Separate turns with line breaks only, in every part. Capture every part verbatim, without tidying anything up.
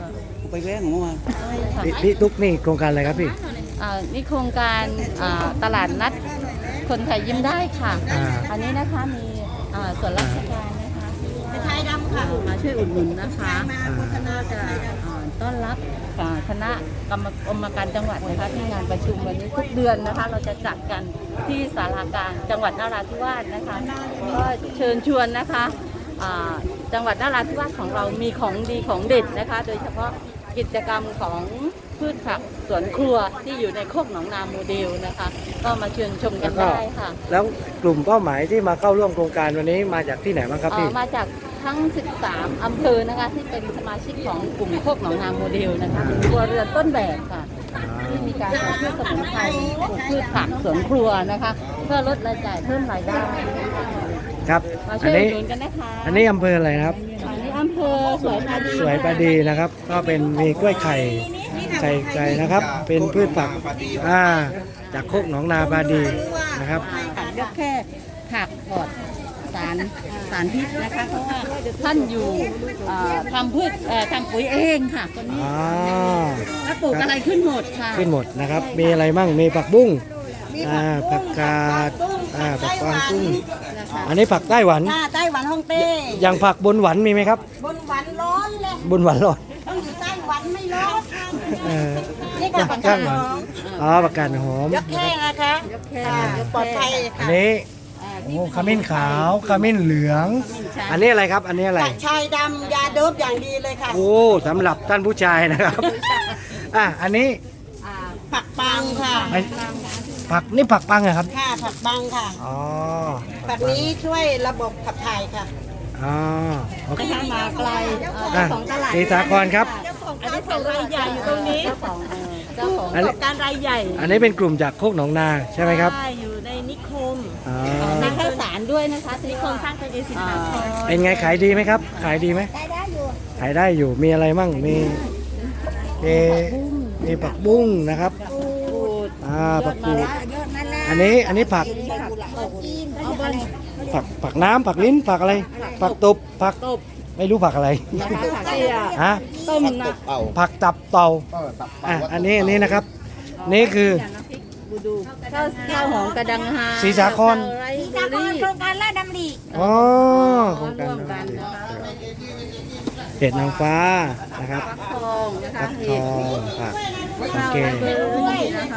ไปแว้งของเมื่อวาน
พี่พี่ตุ๊กนี่โครงการอะไรครับพี่
อ่านี่โครงการอ่าตลาดนัดคนไทยยิ้มได้ค่ะ
อ่า
อันนี้นะคะมีอ่าส่วนราชการนะคะไทยดำค่ะมาช่วยอุดหนุนนะคะน่าจะอ่าต้อนรับอ่าคณะกรรมกรรมการจังหวัดนะคะที่งานประชุมวันนี้ทุกเดือนนะคะ เราจะจัดกันที่ศาลากลางจังหวัดนราธิวาสนะคะก็เชิญชวนนะคะอ่าจังหวัดนราธิวาสของเรามีของดีของเด็ดนะคะ โดยเฉพาะกิจกรรมของพืชผักสวนครัวที่อยู่ในโคกหนองนาโมเดลนะคะ ก็มาเชิญชมกันได้ค่ะ
แล้วกลุ่มเป้าหมายที่มาเข้าร่วมโครงการวันนี้มาจากที่ไหนบ้างครับ
เอ่
พี่
อมาจากทั้ง สิบสาม อำเภอนะคะที่เป็นสมาชิกของกลุ่มโคกหนองนาโมเดลนะคะเป็นครัวเรือนต้นแบบค่ะที่มีการปลูกพืชสมุนไพรปลูกพืชผักสวนครัวนะคะ เพื่อลดรายจ่ายเพิ่มรายได้
ครับ
มา
อั
ช่
น
วยอุ
นี้
ดหนุนกันนะคะ
อันนี้อำเภออะไรนะครับ
อันนี้อำเภอสวยปาดี
สวยประดีนะครับ ก็เป็นมีกล้วยไข่ไข่ไก่นะครับ เป็นพืชผักอ่าจากโคกหนองนาปาดีนะครับ
ผักยกแค่ผักปลอดสารสารพิษนะคะ เพราะว่าท่านอยู่เอ่อทำพืชเอ่อทำปุ๋ยเองค่ะคนนี้
อ๋อ
แล้วปลูกอะไรขึ้นหมดค่ะ
ขึ้นหมดนะครับ มีอะไรมั่งมีผักบุ้งอ่าผักกาดอ่าผักกวางตุ้งอันนี้ผักไต้หวัน
หน้าไต้หวันฮ่องเต้
อย่างผักบนหวันมีไหมครับ
บนหวันร้อนเลย
บนหวันร้อน
ต้องอยู่ไต้หวันไม่ร้อน
เออ
นี่ค่ะผักกา
ข้า
ด
งห
ห
วาน
อม
อ๋อผักกาดหอม
ยกแค่นะคะ
ยกแค่
อ่าย
ก
ปลอดภัย
อัน
ค่ะ
นี้
อ่า
โอ้ขมิ้นขาวขมิ้นเหลือง อันนี้อะไรครับ อันนี้อะไร
กระชายดำยาโดบอย่างดีเลยค่ะ
โอ้สำหรับท่านผู้ชายนะครับ อ่ะอันนี้
อ่า
ผักปังค่ะ
ไอ้ผักนี่ผักปังเหรอครับ
ค่ะผักปังค่ะ
อ๋อ
ผักนี้ช่วยระบบขับถ่ายค่ะ
อ๋อโอเค
นะคะมาไกลเอ่อ
อ่ะ
เจ้าของตลาด
ศรีสาครครับ
อันนี้เป็นรายใหญ่อยู่ตรงนี้เจ้าของเอ่อเจ้าของ
อันนี้
การรายใหญ่
อันนี้เป็นกลุ่มจากโคกหนองนาใช่ไหมครับ
ใช่อยู่ในนิคม
อ๋อ
มีข้าวสารด้วยนะคะที่คนสร้างเป็นเอสินค้า
เป็นไงขายดีไหมครับ ขายดีไหม
ได้ได้อยู่
ขายได้อยู่มีอะไรมั่งมีมีมีผักบุ้งนะครับ
ปูด
อ่าผักกูด
เยอะนั่นแหละ
อันนี้อันนี้ผัก
เอาบน
ผักผักน้ำผักลิ้นผักอะไร ผักตบผัก
ตบ
ไม่รู้ผักอะไร
นะคะผักเตี้ย
ฮะ
ต้มนะ
ผักตับเต่าอ่ะอันนี้อันนี้นะครับ นี่คือ
บูดูข้าวข้าวหอมกระดังฮา
ศรีสาคร
ไร
สี
เบ
สา
อ
คร
รี่
โครงการลาดดำริ
อ๋อโค
ร่
รงการ
วมกันนะคะ
เห็ดนางฟ้านะครับ
ฟักทองนะคะ
ฟักทองผักโอ
ข้าว
เค
ไรเบอรี่นะคะ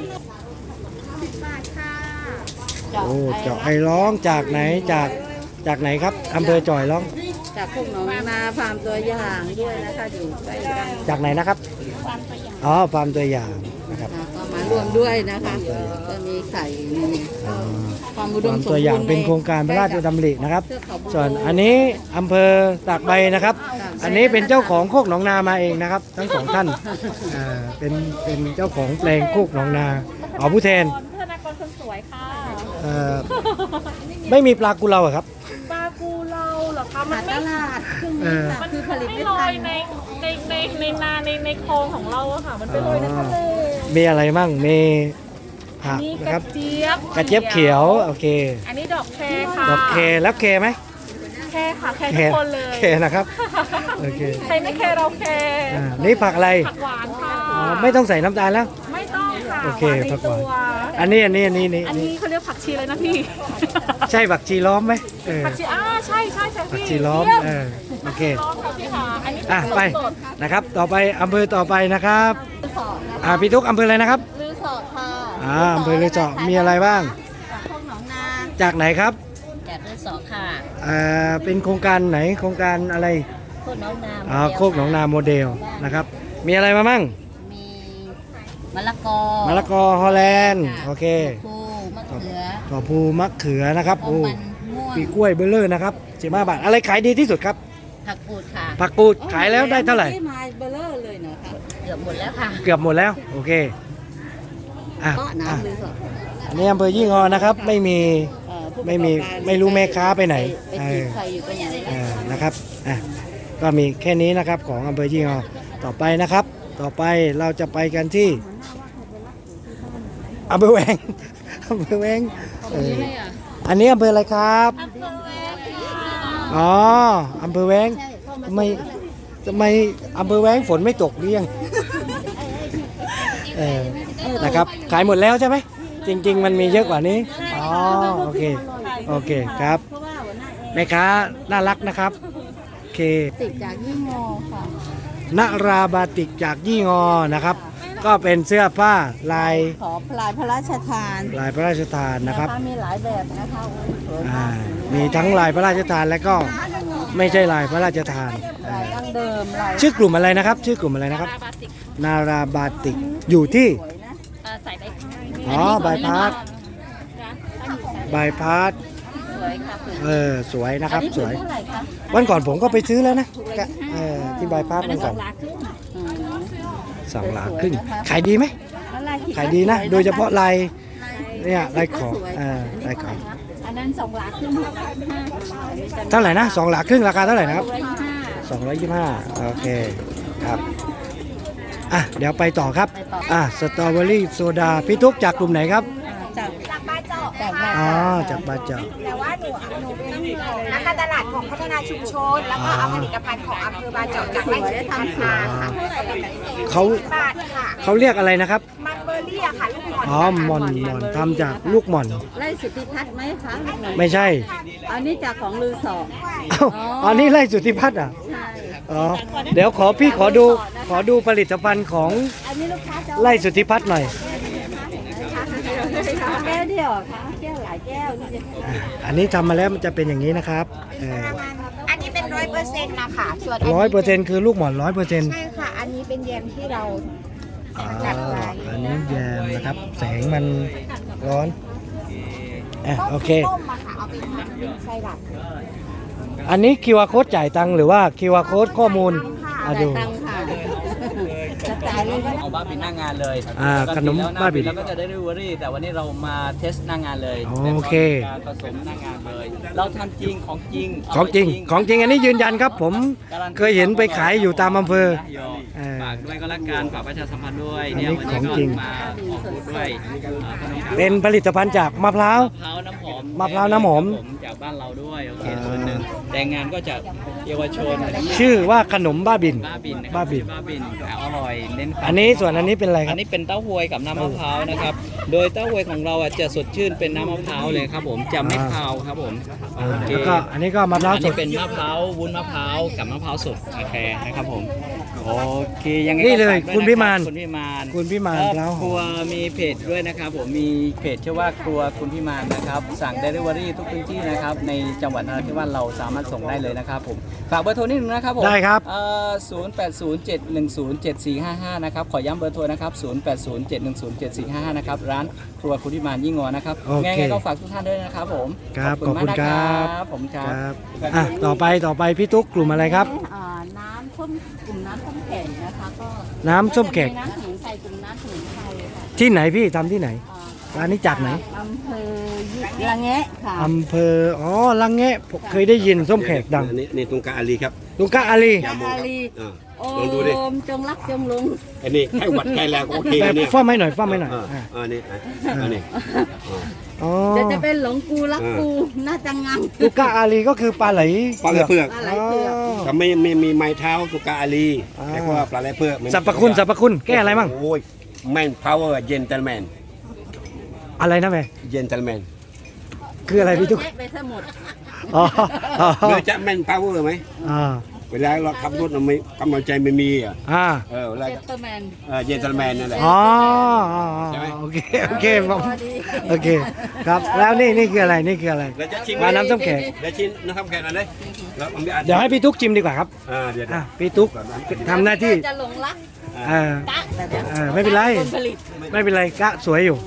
โอ้เจาะไอ้ร้องจากไหนจากจากไหนครับอำเภอจ่อยร้อง
จากพวกหนองนาฟาร์มตัวอย่างด้วยนะคะอยู่ใกล้กัน
จากไหนนะครับอ๋อฟาร์มตัวอย่างนะครับ
นะก็มารวมด้วยนะคะก็มีไข่มีความอุดม
ฟาร์ม
สมบูรณ์
ตัวอย่างเป็นโครงการพระราชดำรินะครับ
เทือกเขา
ส่วนอันนี้อำเภอตากใบนะครับ อันนี้เป็นเจ้าของโคกหนองนามาเองนะครับ ทั้งสองท่านอ่าเป็นเป็นเจ้าของแปลงโคกหนองนาอ๋อผู้แทน
ธนากรคนสวยค่ะ
เอ่อไม่มีปลากุเลาเหรอครับ
ปลากูเราเหรอคะมั
หาน ต
ไม่
ลาดเครื่อง
เอ
มือ
อ
ค่ะคือผลิต
ไม่
ไม่
ลอ
ทั
ย
น
ในในในในนาในในคลองของเราอะค่ะ มันไปลอยในทะเล
มีอะไรมั่งมีผัก
นี่
นะ
ก
ค
ระ
รับ
เจี๊ยบ
กระเจี๊ยบเขียวโอเค
อันนี้ดอกแครค่ะ
ดอกเคแล้วเคไหม
แครค่ะแครทุกคนเลย
เคนะครับโอเค
ใครไม่แครเราแคร
อ่านี่ผักอะไร
ผักหวานค่ะ
อ๋อไม่ต้องใส่น้ำตาลแล้ว
ไม่ต้องค่ะ
โอเค
หวานใน
ผักห
ตัว
าน อันนี้อันนี้อันนี้นี่
อัน
นี่
นี้เขาเรียกผักชีเลยนะพี่
ใช่ผักชีล้อมไหมเออ
ผักชีอ่าใช่ใช่ใช่
ผัก
พี่
ชีล้อม
เยี่ย
เออโอเค
ล้อมค่ะพี่ค่ะอันนี้
อ่ะ
ผัก
ไป
สด
นะครับ ต่อไปอำเภอต่อไปนะครับ
ลือสอดนะ
อ่าพี่ทุกอำเภออะไรนะครับ
ลือสอดค่ะ
อ่าอำเภอลือสอดมีอะไรบ้าง
จากพวกหนองนา
จากไหนครับ
จากลือสอดค่ะ
อ่าเป็นโครงการไหนโครงการอะไร
โคกหนองนา
อ่าโคกหนองนาโมเดลนะครับ มีอะไรมามั่ง
มีมะละกอ
มะละกอฮอลแลนด์โอเค
ปูมะเขือ
ถั่วพูมะเขือนะครับ
ต้
โอ้
มมันม่วง
ปีกล้วยเบลเลอร์นะครับสิบห้าบาทอะไรขายดีที่สุดครับ
ผักกูดค่ะ
ผักกูดขายแล้วได้เท่าไหร่
ที่มาเบลเลอร์เลยนะคะเกือบหมดแล้วค่ะ
เกือบหมดแล้วโอเคอ่ะ
ก็
อ่ะ
น้ำลือสอด
อันนี้อำเภอยี่งอนะครับไม่มี
เอ่อผู้
ไม่มี
ประกอบการ
ไม่รู้แม่ค้าไปไหน
ไปจีบใครอยู่ตรงไหน
เออนะครับอ่ะก็มีแค่นี้นะครับของอำเภอยี่งอต่อไปนะครับ ต่อไปเราจะไปกันที่อำเภอแวง อำเภอแวงเอออันนี้อำเภออะไรครับอ๋ออำเภอแวงทำไมทำไมอำเภอแว้งฝนไม่ตกหรือยังเออนะครับขายหมดแล้วใช่ไหมจริง ๆ มันมีเยอะกว่านี้อ๋อโอเคโอเคครับแม่ค้าน่ารักนะครับโอเค
ติดจากยี่งอค่ะ
นราบาติกจากยี่งอนะครับ ก็เป็นเสื้อผ้าลาย
ขอพลายพระราชทาน
ลายพระราชทานนะครับ
มีหลายแบบนะคะโอ้ยสวย
อ่าม
าก
มีทั้งลายพระราชทานและก็ไม่ใช่ลายพระราชทาน
ลายดั้งเดิมลาย
ชื่อกลุ่มอะไรนะครับ ชื่อกลุ่มอะไรนะครับ นาราบาติกอยู่ที่
สวยนะ
ใส่ใบ
อ๋อบายพาสบายพาส
สวยค่ะสวย
เออสวยนะครับ
อันนี้
สวย
เท่าไหร่คะ
วันก่อนผมก็ไปซื้อแล้วนะก็เออที่บายพาสวันก่อน
อืม
สองหลาครึ่งขายดีไหม
แล้วลายที่
ขายดีนะ
สว
โดยเฉพาะลายเนี่ยลายข
ก็
อบ
สวย
เออลายขอบ
อันนั้นสองหลาครึ่งห้าห้า
เท่าไหร่นะสองหลาครึ่งราคาเท่าไหร่นะครับ
ร้อยห้า
สองร้อยยี่สิบห้าโอเคครับอ่ะเดี๋ยวไปต่อครับอ่ะสตรอเบอรี่โซดาพี่ทุกจากกลุ่มไหนครับ
จาก
จากบ้านเจาะ
จากแบบ
อ๋อจากบาเจ้า
แต่ว่าหนูหนูเป็นนักการตลาดของพัฒนาชุมชน แล้วก็เอาผลิตภัณฑ์ของอำเภอบานเจาะจากไร่สุทำมาค่ะ
เขา
บาทค่ะ
เขาเรียกอะไรนะครับ
มันเบอร์รี่อะค่ะลูกหม่อน
อ๋อหม่อนหม่อนทำจากลูกหม่อน
ไล่สุทธิพัฒน์ไหมคะลูกหนู
ไม่ใช่
อันนี้จากของลือสอ
อ้าวอันนี้ไล่สุทธิพัฒน์อ่ะ
ใช่
อ๋อเดี๋ยวขอพี่ขอดูขอดูผลิตภัณฑ์ของ
อันนี้ลูกค้าจะ
ไล่สุทธิพัฒน์หน่อย
แก้วเดียวค่ะแก้วหลายแก้วนี่จะ
อ่ะอันนี้ทำมาแล้วมันจะเป็นอย่างนี้นะครับ
อันนี้เป็นร้อยเปอร์เซ็นต์นะคะส่วน
ร้อยเปอร์เซ็นต์คือลูกหม่อนร้อยเปอร์เซ็นต์
ใช่ค่ะ อันนี้เป็นแยมที่เรา
อ๋ออันนี้แยมนะครับ แสงมันร้อนอ่ะโอเค
ต้มมาค่ะ เอาไปทำไส้หลัก
อันนี้ คิว อาร์ Code จ่ายตังค์หรือว่า คิว อาร์ Code ข้อมูลอ่ะ
จ่าย
ดู
ตังค่ะจะจ่ายเลยก็ได้
เอาบ้าบินหน้างานเลย
อ่า
ปกติ
ขนม
แล้วห
บ้าบิน
แล้วก็จะได้ริเวอรี่แต่วันนี้เรามาเทสหน้างานเลย
โอเค
เป็นการผสมหน้างานเลย เราทำจริงของจริง
ของจริงของจริงอันนี้ยืนยันครับ ผม
การันตี
เคยเห็นไปขายอยู่ตามอำเภอ เออ
ฝากด้วยก็แล้วกันฝากประชาสัมพันธ์ด้วย
อันนี้
เนี่ยวัน
ของ
นี้ก็
จริง
มาออกบูธด้วยอ่าขนม
เป็นผลิตภัณฑ์จากมะพร้าว
มะพร้าวน้ำหอม
มะพร้าวน้ำหอม
ครับผจากบ้านเราด้วยโอเคส่วนหนึ่งแต่งานก็จากเยาวชน
ชื่อว่าขนมบ้าบิน
บ้าบินนะครับ
บ้าบิน
บ้าบินอร่อยเน้นความ
อันนี้ส่วนอันนี้เป็นอะไรค
อั
รับ
นนี้เป็นเต้าหวยกับน้ำมะพร้าวนะครับ โดยเต้าหวยของเราอ่ะจะสดชื่นเป็นน้ำมะพร้าวเลยครับผมจะไม่คาวครับผม
อ่า
โอเค
แล้วก็อันนี้ก็มะพร้าว
อัน
ส
นี้
ด
เป็นมะพร้าววุ้นมะพร้าวกับมะพร้าวสดโอเคนะครับผมโอเคยังไง
นี่เลย
ก็ฝกด้ว
คุณพิมาน
คุณพิมาน
คุณพิมาน
ครอบ
แล้ว
ครัวมีเพจด้วยนะครับผมมีเพจชื่อว่าครัวคุณพิมานนะครับสั่งเดลิเวอรี่ทุกพื้นที่นะครับในจังหวัดนราธิวาสเราสามารถส่งได้เลยนะครับผมฝากเบอร์โทรนิดนึงนะครับผม
ได้ครับ
ศูนย์แปดศูนย์เจ็ดหนึ่งศูนย์เจ็ดสี่ห้าห้านะครับขอย้ำเบอร์โทรนะครับศูนย์แปดศูนย์เจ็ดหนึ่งศูนย์เจ็ดสี่ห้าห้านะครับร้านครัวคุณพิมานยิ่งงอนะครับ
โอเค
ไงๆก็ฝากทุกท่านด้วยนะครับผม
ครับ
ขอบคุณ
ขอบคุณ
มาก
ครั
นะครับ บผมค
ค
รั
รับ บอ่ะต่อไปต่อไปพี่ตุ๊กกลุ่มอะไรครับ
อ่าน้ำส้มกลุ่มน้ำส้มแข็งนะคะก็
น้ำส้มแขก
น้ำสมุนไพรกลุ่มน้ำสมุนไพรค่ะ
ที่ไหนพี่ทำที่ไหน
อ่า
ร้านนี้จากไหน
อำเภอละแงะค่ะ
อำเภออ๋อลังแงะผมเคยได้ยินส้มแขกดัง
อันนี้นี่ตุงกาอาลีครับ
ลุงกะอาลี
ยาโม
อา
ครับ
ลี
อ่า
โอ
ลองดูดิ
มจงรักจงลง
อันนี้ไข้หวัดไข้แล้วก็โอเค
แบ
อั
บ
นนี้
ฟ้าไม่หน่อยฟ้าไม่หน่อย
อ่า
อ่ะ
อันนี้อ่ะอันนี้อ่า
อ๋อ
จะจะเป็นหลงกูรักกูน่าจังงัง
ลุงกะอาลีก็คือปลาไหล
ปลาไหลเผือก
ปลาไหลเผือก
ถ้าไม่ไม่มีไม้เท้าตุงกาอาลี
อ่า
แต่ว่าปลาไหลเผือก
สรรพคุณสรรพคุณแก้อะไรมั่ง
โอ้ยแมนพาวเวอร์เจนเทลแมน
อะไรนะแม่
เจนเทลแมน
คืออะไรพี่ตุ๊ก
แยะไปซะหมด
อ๋ออ๋อ
เราจะแมนพาวเวอร์ไหม
อ่า
เวลาเราขับรถเราไม่กำลังใจไม่มีอ่ะ
อ่า
เออเวลา
เจตเตอร์แมน
เออเจนเทลแมนนั่นแหละ
อ๋ออ๋อ
ใช่ไหม
โอเคโอเคผมโอเคครับแล้วนี่นี่คืออะไรนี่คืออะไร
เราจะชิม
มาน้ำส้มแขก
เดี๋ยวชิมน้ำส้มแขกหน่อยเลยแล้วผมจะ
เดี๋ยวให้พี่ตุ๊กชิมดีกว่าครับ
อ่าเดี๋ยว
อ่ะพี่ตุ๊กทำหน้าที่
จะหลงรัก
เออก
ะแบบนี้
เออไม่เป็นไร
ผลผลิต
ไม่เป็นไรกะสวยอยู่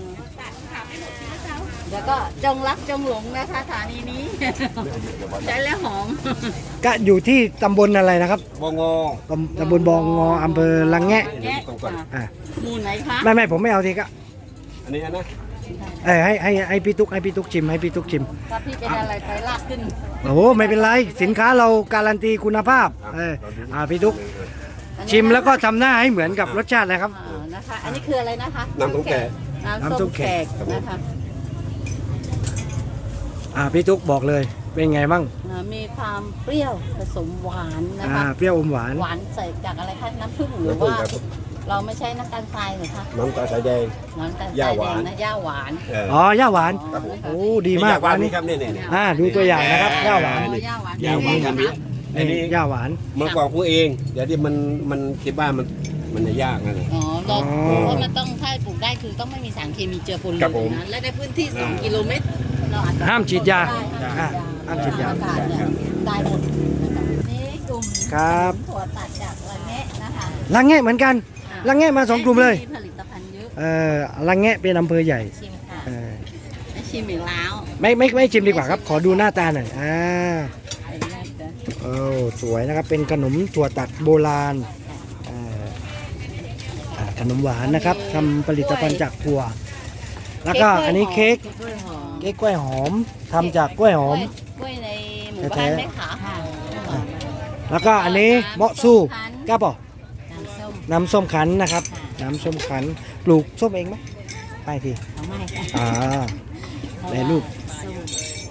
แล้วก็จงรักจงหลงนะคะสถานีนี้ ใช้แล้วหอม
กะอยู่ที่ตำบลอะไรนะครับ
บงอ
ตำตำบลบองงออำเภอลังแงะ
แยะ
ตรงก่อน
อ่ะ
หมูไหนคะ
ไม่ไม่ผมไม่เอาทีกะ
อันนี้นะ
เออให้ให้ให้พี่ตุ๊กให้พี่ตุ๊กชิมให้พี่ตุ๊กชิม
ถ้าพี่เป็นอะไรไปลากขึ้น
โอ้โหไม่เป็นไรสินค้าเราการันตีคุณภาพเอออ่าพี่ตุ๊กชิมแล้วก็ทำหน้าให้เหมือนกับรสชาติเลยครับ
อ่านะคะ อันนี้คืออะไรนะคะ
น้ำส้มแขก
น้ำส้มแขกนะคะ
อ่าพี่ตุ๊กบอกเลยเป็นไงบ้าง
อ่ามีความเปรี้ยวผสมหวานนะ
อ่า
คะ
เปรี้ยวอมหวาน
หวานใส่จากอะไรคะน้ำผึ้งหรือว่า เราไม่ใช่น้ำตาลทรายเหรอคะ
น้ำตาลสายแดง
น้ำตาลท
ย่าร
าย
ห
แด
วาน
งนะย่าหวาน
เออ
อ๋อย่าหวาน
อ๋อ
โอ้ดีมาก
ว่า
อัน
นี่
นี้
ครับนี่นี่นี่
อ่าดูตัวอย่างนะครับย่าหวาน
อ๋อย่าหวาน
ย่าหวานครับนี่อันนี้
ย่าหวาน
มันกรอกผู้เองเดี๋ยวที่มันมันคิดว่ามันมันจะยากนะ
อ๋อเรา
อ๋อ
เพราะมันต้องถ้าปลูกได้คือต้องไม่มีสารเคมีเจือปนเล
ครับ
ย
ผม
นะและในพื้นที่ สอง
อ่า
กิโลเมตรเราอาจจะ
ห้ามฉีดยา
ได้
อ่าห้ามฉีดยา
อากาศเนี่ยได้หมดนะคะนี่กลุ่ม
ครับ
ถั่วตัดจากละแงะนะคะ
ลังแงะเหมือนกันลังแงะมาสองกลุ่มเลย
ผลิตภัณฑ์เยอะ
เออลังแงะเป็นอำเภอใหญ่
ชิมค่ะ
เออ
ได้ชิมอีกแล้ว
ไม่ไม่ไม่ชิมดีกว่าครับ ขอดูหน้าตาหน่อยอ่า
ไอ้แรกเด้อ
โอ้สวยนะครับเป็นขนมถั่วตัดโบราณอ่าอ่าขนมหวานนะครับทำผลิตภัณฑ์จากถั่ว แล้วก็อันนี้เค้ก
กล้วยหอม
เค้กกล้วยหอมทำจากกล้วยหอม
กล้วยในหมู่บ้านไหมคะค่ะ
แล้วก็อันนี้เมาะสู้กล้าบอก
น้ำส้ม
น้ำส้มขันนะครับ น้ำส้มขันปลูกส้มเองไหมไปที
เอาไม่ค่ะ
อ่าแปรรูป
ส้ม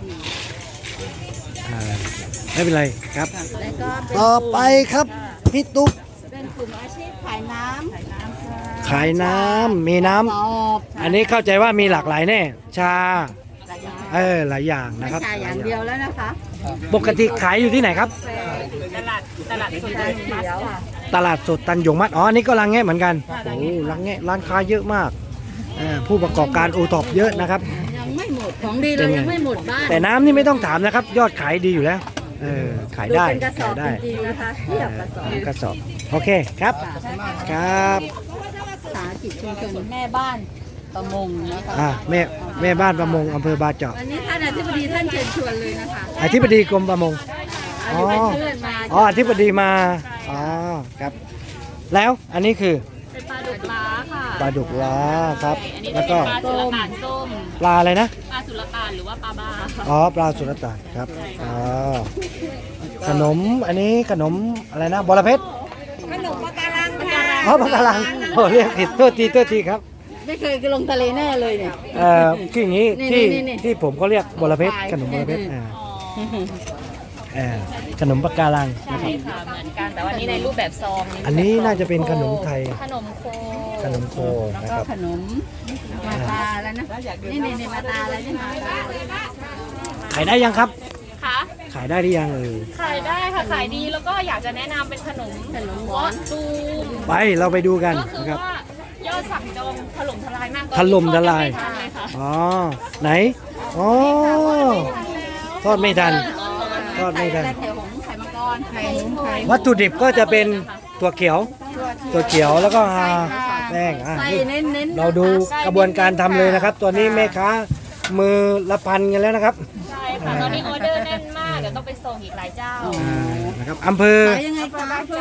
อ่าไม่เป็นไรครับ
แล้วก็เป็น
ต่อไปครับพี่ตุ๊ก
เป็นกลุ่มอาชีพขายน้ำขายน้ำ
ขายน้ำมีน้ำ
สอบ
อันนี้เข้าใจว่ามีหลากหลายแน่ ชา
หลายอย่าง
เออหลายอย่าง
ไม่
นะครับ
ใช่อย่างเดียวแล้วนะคะ
ปกติขายอยู่ที่ไหนครับ
ตลาดตลาดสด
ชาเขียวค่ะ
ตลาดสดตันหยงมัดอ๋ออันนี้ก็รังแงะเหมือนกันโอ้รังแงะร้านค้าเยอะมากเออผู้ประกอบการโอท็อปเยอะนะครับ
ยังไม่หมดของดีเรายังไม่หมดบ้าน
แต่น้ำนี่ไม่ต้องถามนะครับ ยอดขายดีอยู่แล้วเออขายได้
ดูเป็นกระสอ
ขา
บ
ยได้
จริงๆนะคะเทียบกระสอบ
กระสอบโอเคครับครับ
สาหกิจชุมชนแม่บ้านประมงนะคะ
อ่าแม่แม่บ้านประมงอำเภอบาเจาะ
วันนี้ท่านอธิบดีท่านเชิญชวนเลยนะคะ
อธิบดีกรมประมง
อธิบดีเชิญมา
อ๋ออธิบดีมาอ๋อครับ แล้วอันนี้คือ
เป็นปลาดุกล้าค่ะ
ปลาดุกล้าครับ
อันนี้
แล้ว
เป็
ก็
นปลาสุรต่านส้ม
ปลาอะไรนะ
ปลาสุรต่านหรือว่าปลาบ้าค่ะ
อ๋อปลาสุรตานครับอ๋อขนมอันนี้ขนมอะไรนะบอระเพ็ด
ขนมปะการังค่ะ
อ๋อปลากระลังโอ้เรียกผิดโทษทีโทษทีครับ
ไม่เคยลงทะเลแน่เลยเนี่ย
เอ่อคืออย่างนี้
นี่
ที่
นี่นี่
ที่ผมเขาเรียกบอระเพ็ดขนมบอระเพ็ดอ่าอ่าขนมปลากการังนะค
ใช่
รับ
ค่ะเหมือนกันแต่ว่านี่ในรูปแบบซอง
อันนี้น่าจะเป็นขนมไทย
ขนมโค
ขนมโค
แล้ว
นะ
ก็
ครับ
ขนมมาตาแล้วนะนี่นี่นี่มาตาอะไรนี่มาตา
ขายได้ยังครับ
ค่ะ
ขายได้หรือยังเอ่ย
ขายได้ค่ะขายดีแล้วก็อยากจะแนะนำเป็นขนม
ขนมห
วอ
วาน
ตูม
ไปเราไปดูกัน
ก็คือ
นะครับ
ว่ายอดสั่งจองถล่มทลายมาก
ถล่มทลาย
ตอนนี้ทอดไม่ทันเลยค่ะ
อ๋อไหนอ๋อทอดไม่ทัน ทอดไม่ทัน
ไข่หงส์ไข่มังกรไข่หงส์ไข่
วัตถุดิบก็จะเป็นถั่วเขียวถั่วเขียวแล้วก็แป้งอ่ะ
ใส่
นี่
เน้นๆ
เราดูกระบวนการทำเลยนะครับ ตัวนี้แม่ค้ามือละพันกันแล้วนะครับ
ใช่ค่ะตอนนี้ออเดอร์แน่นมากเดี๋ยวต้องไปส่งอีกหลายเจ้า
อ่านะครับอำเภอ
ขายยังไงคะ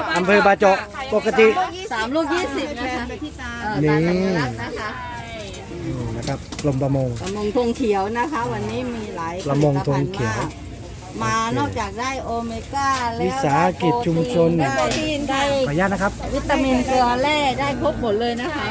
อำเภอบาเจาะปกติ
สามลูกยี่สิบนะคะเออ
นี่
ตามสัญลักษณ์นะคะ
อืมนะครับกรมประมง
ประมงธงเขียวนะคะ วันนี้มีหลาย
ประมงธงเขียว
ผลิตภัณฑ์มากมานอกจากได้โอเมก้าแล้ว
วิสาหกิจชุมชน
ได้โปรตีนได้
ขออนุญาตนะครับ
วิตามินเกลือแร่ได้ครบหมดเลยนะคะ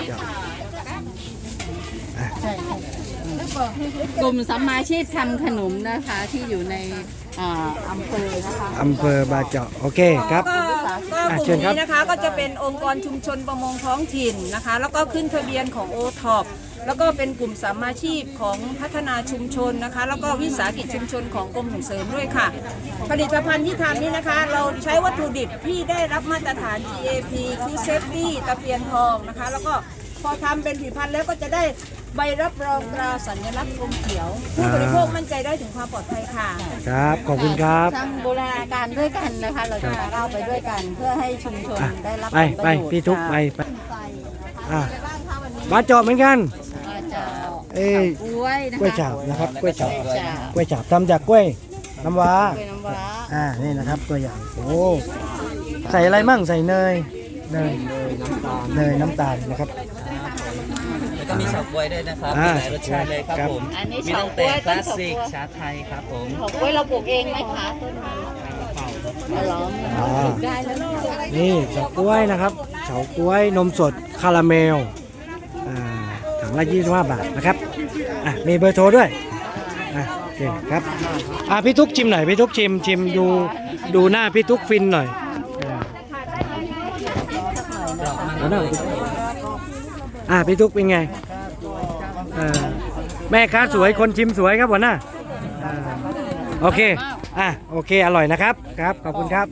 ใช่ค่ะกลุ่มสัมมาชีพทำขนมนะคะที่อยู่ในอ่าอำเภอนะคะ
อำเภอบาเจาะโอเคครับ
ก็ก็
อ่ะ
ก
เชิ
ลุ่
ญ
ม
ครับ
นี้นะคะก็จะเป็นองค์กรชุมชนประมงท้องถิ่นนะคะ แล้วก็ขึ้นทะเบียนของโอท็อปแล้วก็เป็นกลุ่มสามาชีพของพัฒนาชุมชนนะคะ แล้วก็วิสาหกิจชุมชนของกรมส่งเสริมด้วยค่ะ ผลิตภัณฑ์ที่ทำนี้นะคะ เราใช้วัตถุดิบที่ได้รับมาตรฐาน จี เอ พี Food Safety ตะเพียนทองนะคะ แล้วก็พอทำเป็นผลิตภัณฑ์แล้วก็จะได้ใบรับรองตราสัญลักษณ์กรมเขียว ผู้บริโภคมั่นใจได้ถึงความปลอดภัยค่ะ
ครับขอบคุณครับ
ทำบูรณาการด้วยกันนะคะ เราจะเล่าไปด้วยกันเพื่อให้ชุมชน
อ่ะ
ได้รับ
ไป
ผล
ไป
ระโยชน์
พี่ทุก
ค่ะ
ไปไป
ใส่นะคะ
อ่ะ
มีอะไรบ้างคะวันนี้
บาเจาะเหมือนกัน
ก็จะ
เอ้ย
กล้วยนะคะ
กล้วยฉาบนะครับกล้วยฉาบ
กล้วยฉาบ
กล้วยฉาบทำจากกล้วยน้ำว้าก
ล้วยน้ำว้า
อ่านี่นะครับตัวอย่างโอ้ใส่อะไรมั่งใส่เนยเนยเนยน้ำตาลนะครับ
แล้วก็มีเฉาก๊วยด้วยนะครับ
อ่า
มีหลายรสชาติเลยครับ
ครับ
ผม
อันนี้
มี
เฉา
ตั้ง
ก๊
แต่
วย
ค
ต้
ลาน ส
เฉา
สิก
ก๊วย
ชาไทยครับผม
เฉาก๊วยเราปลูกเองไหมคะต้นนี้เราล้อมปลูกได้แล้วลูก
นี่เฉาก๊วยนะครับเฉาก๊วยนมสดคาราเมลอ่าถังละยี่สิบห้าบาทนะครับอ่ะมีเบอร์โทรด้วยอ่ะเคครับอ่ะพี่ทุกชิมหน่อยพี่ทุกชิมชิมดูดูหน้าพี่ทุกฟินหน่อยอ่าเอาหน่อยอ่ะพี่ทุกเป็นไงอ่าแม่ค้าสวยคนชิมสวยครับหัวหน้าอ่าโอเคอ่ะโอเคอร่อยนะครับครับขอบคุณครับ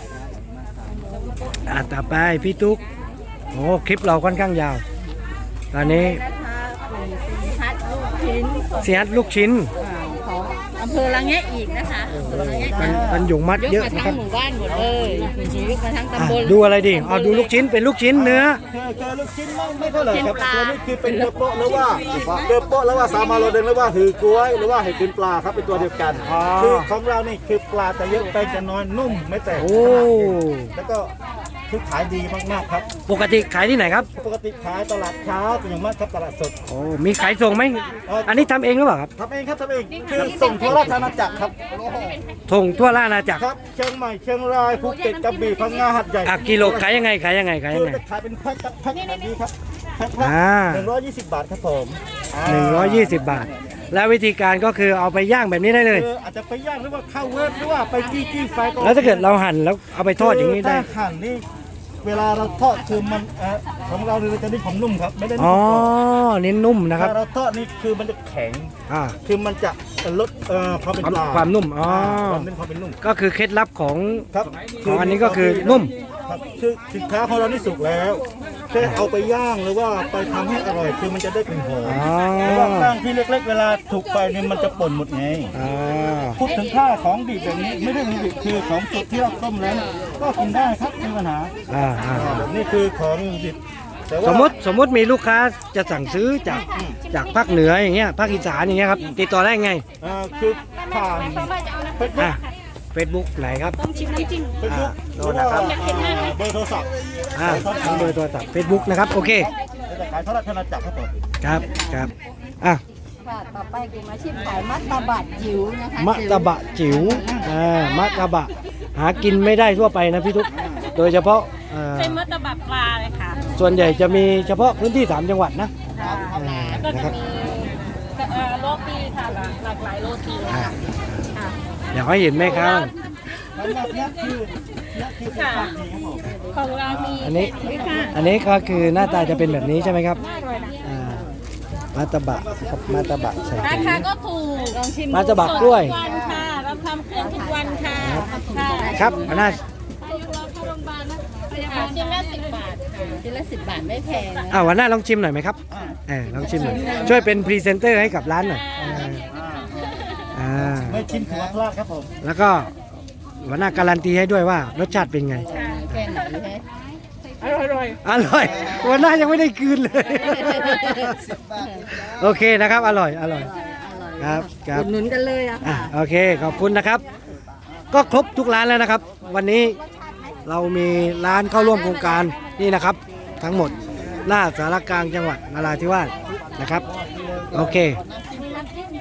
อ่ะต่อไปพี่ทุกโอ้คลิปเราค่อนข้างยาวตอนนี้
พัดลูกชิ้นของ
เสียดลูกชิ้น
ของอำเภอละแงะอีกนะคะอำเภอละแงะ
มันมันหยุงมัดเยอะ
กมา
นะค
ทั้
รับ
งหมู่บ้านหมดเลยยกมาทั้ง
อ่ะ
ตำบล
ดูอะไรดีเอาดูลูกชิ้นเป็นลูกชิ้นเนื้อ
เจอลูกชิ้นไม่ไม่เท่าไหร่ครับ
ชิ้นปลา
ตัวนี้คือเป็นเกลือโปะหรือว่าเกลือโปะหรือว่าสามาโรเดงหรือว่าหือกล้วยหรือว่าเห็ดกินปลาครับเป็นตัวเดียวกัน
อ๋อ
คือของเรานี่คือปลาจะเยอะแป้งจะน้อยนุ่มไม่แตก
โอ้
แล้วก็คือขายดีมากๆครับ
ปกติขายที่ไหนครับ
ปกติขายตลาดเช้าเป็นอย่างมากครับตลาดสด
โอ้มีขายส่งไหมอันนี้ทำเองหรือเปล่าครับ
ทำเองครับทำเองคือส่งทั่วราชอาณาจักรครับ
ส่งทั่วราชอาณาจักร
ครับเชียงใหม่เชียงรายภูเก็ตกระบี่พังงาหัดใหญ่
อ่ะกิโลขายยังไงขายยังไงขาย
คื
ยั
อง
ไง
จะขายเป็นแพ็คครับแพ็คแบบนี้ครับแพ็ค
อ่า
หนึ่งร้อยยี่สิบบาทครับผมา
หนึ่งร้อยยี่สิบบาท แล้ววิธีการก็คือเอาไปย่างแบบนี้ได้เลย
คืออาจจะไปย่างหรือว่าเข้าเวฟหรือว่าไปจี้จี้ไฟก็
แล้วถ้าเกิดเราหั่นแล้วเอาไปทอดอย่างนี้ได้
ถ้าหั่นนี่เวลาเราทอดคือมันเอ่อของเราเนี่ยจะได้ผมนุ่มครับไม่ได้
อ๋
นุ่
อ
มกรอบ
เน้นนุ่มนะครับ
ถ้าเราทอดนี่คือมันจะแข็ง
อ่า
คือมันจะลดเอ่อความเป็น
ความ
ปลา
ความนุ่มอ๋อ
ความเป็นความเป็นนุ่ม
ก็คือเคล็ดลับของ
ครับ
ของอันนี้ก็คือนุ่ม
ครับคือสินค้าของเรานี่สุกแล้วแค่เอาไปย่างหรือว่าไปทำให้อร่อยคือมันจะได้กลิ่นหอม
อ๋อ
เพราะว่าแป้งที่เล็ก ๆ เวลาถูกไปเนี่ยมันจะป่นหมดไง
อ่า
พูดถึงค่าของดิบแบบนี้ไม่ได้ของดิบคือของสดที่เราต้มแล้วเนี่ยก็กินได้ครับไม่มีปัญหา
อ่าอ่า
นี่คือของดิบแต่ว่า
สมมติสมมติมีลูกค้าจะสั่งซื้อจากจากภาคเหนืออย่างเงี้ยภาคอีสานอย่างเงี้ยครับติดต่อได้ไง
เอ่อคือผ่านเฟซบุ๊
อ่ะ
ก
เฟซบุ๊กไหนครับ
เฟซบุ๊ก
อ่า
ห
โน่
รือน ว่า
นะครับ
เบอร์โทรศัพท์
อ่าทั้งเบอร์โทรศัพท์เฟซบุ๊กนะครับโอเค
จะขายทอดราชอาณาจักรครับผม
ครับครับอ่ะ
ค่ะต่อไปกลุ่มอาชีพขายมัตตบะจิ๋วนะคะ
มะตะบะจิ๋วอ่ามะตะบะหากินไม่ได้ทั่วไปนะพี่ทุกโดยเฉพาะเอ่อ
เป็นมัตตบะปลาเลยค่ะ
ส่วนใหญ่จะมีเฉพาะพื้นที่สามจังหวัดนะ
ค่ะ
อ่า
ก็
นะค
จะ
รับ
มีเอ่อโรตีค่ะหลากหลากหลายโรตีเลย
อ่า
ค่ะค่ะ
อยากให้เห็นไหมครับ
สำหรับเนี้ยคือเนี้ยคือเป็นความดีครับผม
ของเรามี
อันนี้
นี่ค่ะ
อันนี้ก็คือหน้าตาจะเป็นแบบนี้ใช่ไหมครับอ่ามาตะบะครับมาตะบะใส่
รา
ถุง
คาก็ถูกลองชิม
มาตะบะกล้วย
ทุกวันค่ะเราทำเครื่องทุกวันค่ะค่ะ
ครับอันน่า
ค่ะชิ้นละสิบบาทค่ะ
ชิ้นละสิบบาทไม่แพงนะ
อ่าวันหน้าลองชิมหน่อยไหมครับเออลองชิมหน่อยช่วยเป็นพรีเซนเตอร์ให้กับร้านหน่อยอ่าอ่า
ไม่ชิมถือว่าพลาดครับผม
แล้วก็วันหน้าการันตีให้ด้วยว่ารสชาติเป็นไง
แค่ไหนฮะ
อร่อยอร่อย
อร่อยวันหน้ายังไม่ได้คืนเลย โอเคนะครับ อร่อย อร่อย ครับครับ
อุดหนุนกันเลยอะ
อ่ะ
ค่ะ
โอเค ขอบคุณนะครับ ก็ครบทุกร้านแล้วนะครับ วันนี้เรามีร้านเข้าร่วมโครงการนี่นะครับ ทั้งหมดหน้าสารกลางจังหวัดนราธิวาสนะครับ โอเค